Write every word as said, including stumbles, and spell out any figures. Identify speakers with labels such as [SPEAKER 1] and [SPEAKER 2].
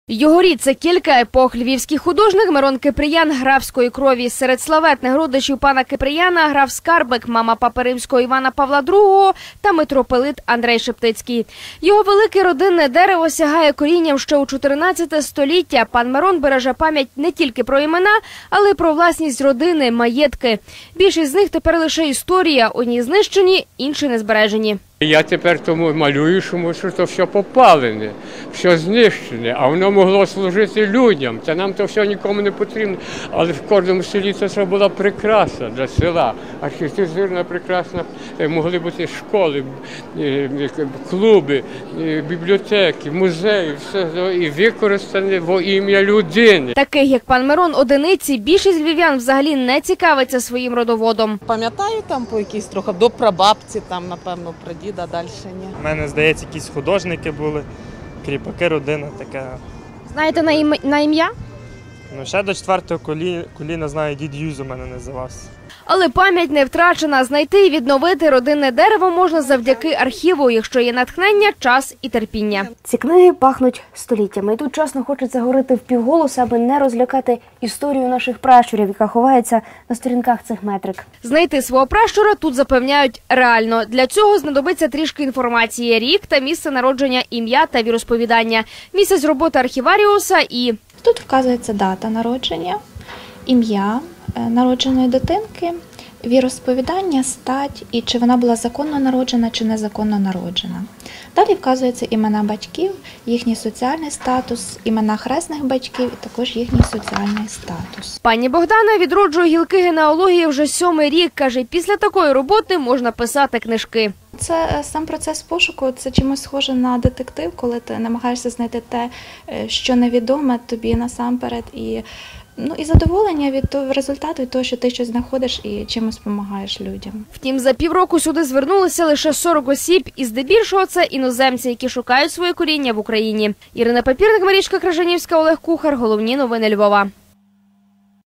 [SPEAKER 1] Його рід – це кілька епох. Львівський художник Мирон Кипріян графської крові. Серед славетних родичів пана Кипріяна – граф Скарбик, мама папи римського Івана Павла другого та митрополит Андрей Шептицький. Його велике родинне дерево сягає корінням ще у чотирнадцяте століття. Пан Мирон береже пам'ять не тільки про імена, але й про власність родини, маєтки. Більшість з них тепер лише історія. Одні знищені, інші не збережені.
[SPEAKER 2] Я тепер тому малюю, тому що це все попалене, все знищене, а воно могло служити людям. Це нам то все нікому не потрібно. Але в кожному селі це була прикраса для села. Архітектурна прекрасна, могли бути школи, клуби, бібліотеки, музеї, все і використане во ім'я людини.
[SPEAKER 1] Таких, як пан Мирон, одиниці, більшість львів'ян взагалі не цікавиться своїм родоводом.
[SPEAKER 3] Пам'ятаю там по якійсь трохи до прабабці, там, напевно, прадіда. А далі ні.
[SPEAKER 4] У мене, здається, якісь художники були, кріпаки, родина така.
[SPEAKER 1] Знаєте на, ім... на ім'я?
[SPEAKER 4] Ну, ще до четвертого коліна, коліна знаю, дід Юзо мене називався.
[SPEAKER 1] Але пам'ять не втрачена. Знайти і відновити родинне дерево можна завдяки архіву, якщо є натхнення, час і терпіння. Ці книги пахнуть століттями. І тут чесно хочеться говорити впівголоса, аби не розлякати історію наших пращурів, яка ховається на сторінках цих метрик. Знайти свого пращура тут запевняють реально. Для цього знадобиться трішки інформації. Рік та місце народження, ім'я та віросповідання. Місяць роботи архіваріуса і...
[SPEAKER 5] Тут вказується дата народження, ім'я народженої дитинки, віросповідання, стать і чи вона була законно народжена чи незаконно народжена. Далі вказуються імена батьків, їхній соціальний статус, імена хресних батьків і також їхній соціальний статус.
[SPEAKER 1] Пані Богдана відроджує гілки генеалогії вже сьомий рік. Каже, після такої роботи можна писати книжки.
[SPEAKER 5] Це сам процес пошуку, це чимось схоже на детектив, коли ти намагаєшся знайти те, що невідоме тобі насамперед, і, ну, і задоволення від того результату, від того, що ти щось знаходиш і чимось допомагаєш людям.
[SPEAKER 1] Втім, за півроку сюди звернулися лише сорок осіб, і здебільшого це іноземці, які шукають своє коріння в Україні. Ірина Папірник, Марічка Крижанівська, Олег Кухар. Головні новини Львова.